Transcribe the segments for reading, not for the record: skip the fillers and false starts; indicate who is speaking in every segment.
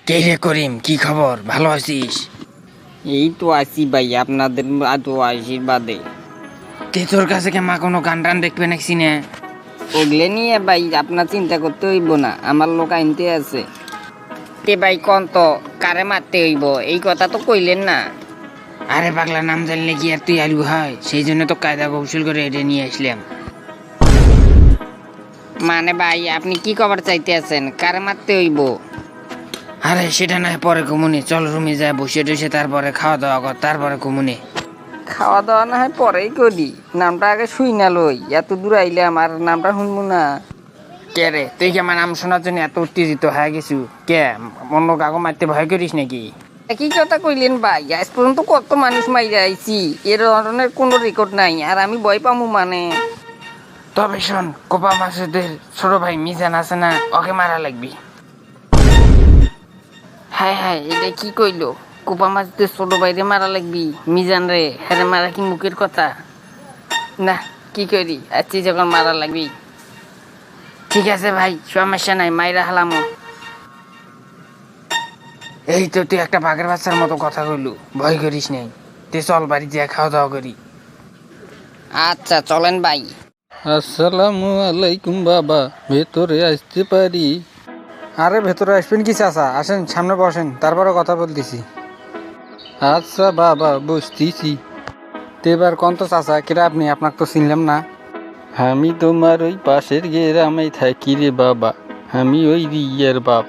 Speaker 1: কে রে করিম, কি খবর? ভালো আছিস?
Speaker 2: এই তো আছি ভাই, আপনাদের তো আশীর্বাদে।
Speaker 1: তোর কাছে কে মা কোনো গান টান দেখবে নাকি না?
Speaker 2: ওগুলো নিয়ে ভাই আপনার চিন্তা করতে হইব না, আমার লোক আনতে আছে। তে ভাই কোন তো কারে মারতে হইব, এই কথা তো কইলেন না।
Speaker 1: আরে পাগলা, নাম জানলে কি আর তুই আলু হয়? সেই জন্য তো কায়দা কৌশল করে এটা নিয়ে আসলাম।
Speaker 2: মানে ভাই আপনি কি খবর চাইতে আছেন, কারে মারতে হইব?
Speaker 1: আরে সেটা না পরে কমুনি, চল রুমে যায় বসে টসে তারপরে খাওয়া দাওয়া কর, তারপরে কমুনি।
Speaker 2: খাওয়া দাওয়া না হয় পরেই করি, নামটা আগে শুই না লই, এত দূর আইলে আমার নামটা শুনবো না।
Speaker 1: কে রে, তুই কি আমার নাম শোনার জন্য এত উত্তেজিত হয়ে গেছু? কে অন্য কাকু মারতে ভয় করিস নাকি?
Speaker 2: একই কথা কইলেন ভাই, আজ পর্যন্ত কত মানুষ মাইরা আইছি, এর ধরনের কোনো রেকর্ড নাই, আর আমি ভয় পামু মানে?
Speaker 1: তবে শোন, কোপা মাসুদের ছোট ভাই মিজান আছে না, ওকে মারা লাগবি।
Speaker 2: হ্যাঁ হ্যাঁ, এটা কি কইলো? কোপা মাছদের ছোট বাইরে মারা লাগবি মিজান রে? হ্যাঁ মারা কি মুখের কথা? না, কি করি আছি যখন মারা লাগবি।
Speaker 1: ঠিক আছে ভাই,
Speaker 2: সমস্যা নাই, মাইরা হালামো।
Speaker 1: এই তো তুই একটা বাঘের বাচ্চার মতো কথা কইলু, ভয় করিস নাই। তুই চল বাড়ি যা খাওয়া দাওয়া করি।
Speaker 2: আচ্ছা চলেন ভাই।
Speaker 3: আসসালামু আলাইকুম বাবা, ভেতরে আসতে পারি?
Speaker 4: আরে ভেতরে আসবেন কি চাচা, আসেন সামনে বসেন, তারপরে কথা বলতেছি।
Speaker 3: আচ্ছা বাবা, বসতেছি।
Speaker 4: এবার কোন তো চাচা, কেটা আপনি? আপনাকে তো চিনলাম না।
Speaker 3: আমি তোমার ওই পাশের গ্রামে থাকি রে বাবা, আমি ওই রিয়ার বাপ।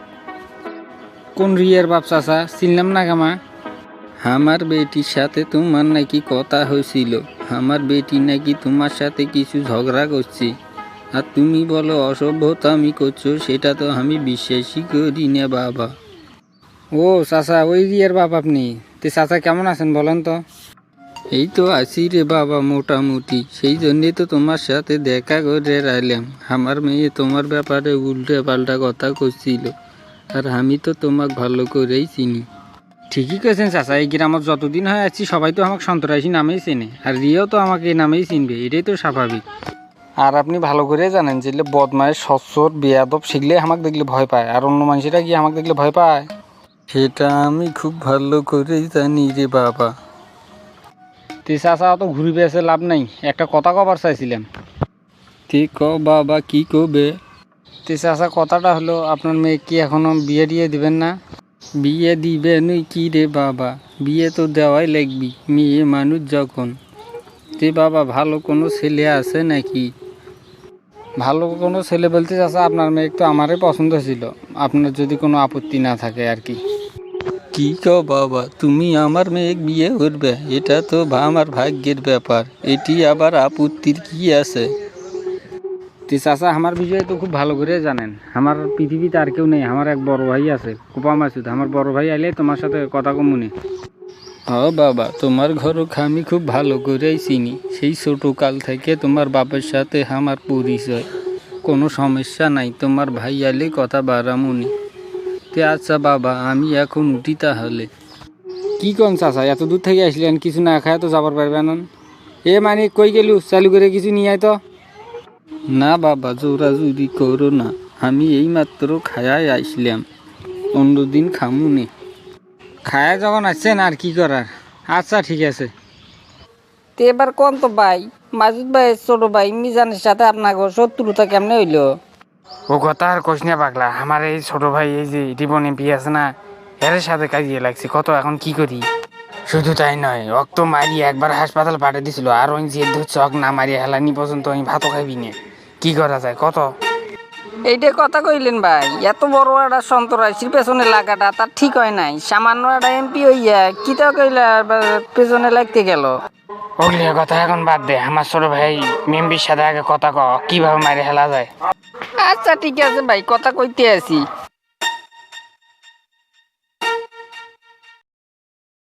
Speaker 4: কোন রিয়ার বাপ চাচা? চিনলাম না কামা।
Speaker 3: আমার বেটির সাথে তোমার নাকি কথা হয়েছিল, আমার বেটি নাকি তোমার সাথে কিছু ঝগড়া করছে, আর তুমি বলো অসভ্যতা আমি করছো, সেটা তো আমি বিশ্বাসই করি না বাবা।
Speaker 4: ও চাচা, ওই রিয়ার বাপ আপনি? চাচা কেমন আছেন বলেন তো?
Speaker 3: এই তো আছি রে বাবা মোটামুটি, সেই জন্যই তো তোমার সাথে দেখা করে রাইলাম। আমার মেয়ে তোমার ব্যাপারে উল্টে পাল্টা কথা করছিল, আর আমি তো তোমাকে ভালো করেই চিনি।
Speaker 4: ঠিকই কেছেন চাচা, এই গ্রামত যতদিন হয় আছি সবাই তো আমাকে সন্তরাসী নামেই চেনে, আর রিয়াও তো আমাকে এই নামেই চিনবে, এটাই তো স্বাভাবিক। আর আপনি ভালো করে জানেন যেগুলো বদমায়ের সচ্ছর বেয়াদব সেগুলো আমাকে দেখলে ভয় পায়, আর অন্য মানুষেরা কি আমাকে দেখলে ভয় পায়?
Speaker 3: সেটা আমি খুব ভালো করেই জানি রে বাবা।
Speaker 4: চাচা অত ঘুরি পেয়েছে লাভ নাই, একটা কথা কবার চাইছিলাম।
Speaker 3: তে ক বাবা, কি কবে?
Speaker 4: চাচা কথাটা হলো, আপনার মেয়ে কি এখনো বিয়ে দিয়ে দিবেন না?
Speaker 3: বিয়ে দিবে নই কি রে বাবা, বিয়ে তো দেওয়াই লাগবি, মেয়ে মানুষ যখন। তে বাবা, ভালো কোনো ছেলে আছে নাকি?
Speaker 4: ভালো কোনো ছেলে বলতে চাচা, আপনার মেয়ে তো আমারই পছন্দ ছিল, আপনার যদি কোনো আপত্তি না থাকে আর কি।
Speaker 3: কি কো বাবা, তুমি আমার মেয়ে বিয়ে করবে? এটা তো আমার ভাগ্যের ব্যাপার, এটি আবার আপত্তির কি আছে?
Speaker 4: চাচা আমার বিষয়ে তো খুব ভালো করে জানেন, আমার পৃথিবীতে আর কেউ নেই, আমার এক বড় ভাই আছে কোপা মাসুদ, আমার বড় ভাই আইলে তোমার সাথে কথা কমুনি।
Speaker 3: বাবা, তোমার ঘরক আমি খুব ভালো করেই চিনি, সেই ছোটোকাল থেকে তোমার বাবার সাথে আমার পরিচয়, কোনো সমস্যা নাই, তোমার ভাই আলে কথা বাড়ামুনি। তে আচ্ছা বাবা, আমি এখন উঠি তাহলে।
Speaker 4: কি কোন চাচা, এত দূর থেকে আসলেন, কিছু না খায় তো যাবার পারবেন? এ মানে কই গেলু, চালু করে কিছু নিয়ে আয় তো।
Speaker 3: না বাবা, জোরাজুরি করো না, আমি এইমাত্র খায়াই আসলাম, অন্যদিন খামুনে।
Speaker 4: খায় যখন আসছেন আর কি করার। আচ্ছা ঠিক আছে।
Speaker 2: তো এবার কোন তো ভাই, মাসুদ ভাইয়ের ছোট ভাই মিজানের সাথে আপনার শত্রুতা কেমনে হইলো?
Speaker 1: ও কথা আর কোশ না পাগলা, আমার এই ছোট ভাই এই যে রিপন এমপি আছে না, এর সাথে কাজিয়ে লাগছে কত, এখন কি করি? শুধু তাই নয়, অক্ত মারি একবার হাসপাতাল পাঠিয়ে দিছিল, আর ওই জেদ ধরছে অক না মারিয়ে হেলানি পর্যন্ত আমি ভাতও খাইবি না। কি করা যায় কত?
Speaker 2: এইটা কথা কইলেন ভাই, এত বড় একটা সন্তরাশির পেছনে লাগাটা তার ঠিক হয় নাই, সামান্য একটা এমপি হইয়া কিতা কইলা পেছনে লাগতে গেল।
Speaker 1: ওগুলিয়া কথা এখন বাদ দে, আমার ছোট ভাই মেম্বির সাথে আগে কথা ক, কিভাবে মারি হেলা যায়।
Speaker 2: আচ্ছা ঠিক আছে ভাই, কথা কইতে আছি।